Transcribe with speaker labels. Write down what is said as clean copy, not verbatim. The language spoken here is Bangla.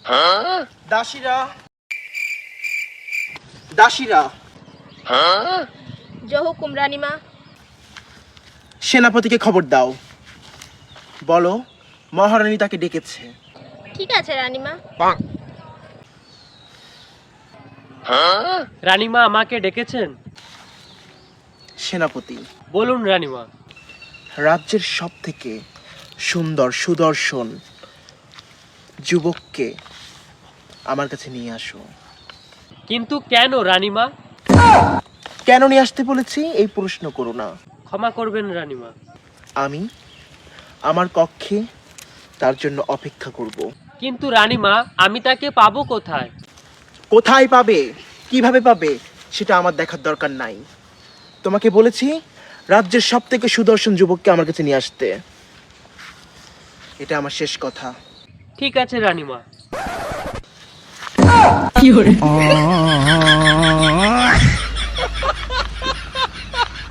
Speaker 1: দাসীরা দাসীরা
Speaker 2: জহুকুম রানীমা।
Speaker 1: সেনাপতিকে খবর দাও, বলো মহারানী তাকে ডেকেছে।
Speaker 2: ঠিক আছে রানীমা।
Speaker 3: রানীমা আমাকে ডেকেছেন?
Speaker 1: সেনাপতি,
Speaker 3: বলুন রানীমা।
Speaker 1: রাজ্যের সব থেকে সুন্দর সুদর্শন যুবককে আমার কাছে নিয়ে আসো।
Speaker 3: কিন্তু কেন রানীমা?
Speaker 1: কেন নিয়ে আসতে বলেছি এই প্রশ্ন করো না।
Speaker 3: ক্ষমা করবেন রানীমা।
Speaker 1: আমি আমার কক্ষে তার জন্য অপেক্ষা করব।
Speaker 3: কিন্তু রানীমা, আমি তাকে পাবো কোথায়?
Speaker 1: কোথায় পাবে, কিভাবে পাবে, সেটা আমার দেখার দরকার নাই। তোমাকে বলেছি রাজ্যের সব থেকে সুদর্শন যুবককে আমার কাছে নিয়ে আসতে। এটা আমার শেষ কথা।
Speaker 3: ঠিক আছে রানীমা।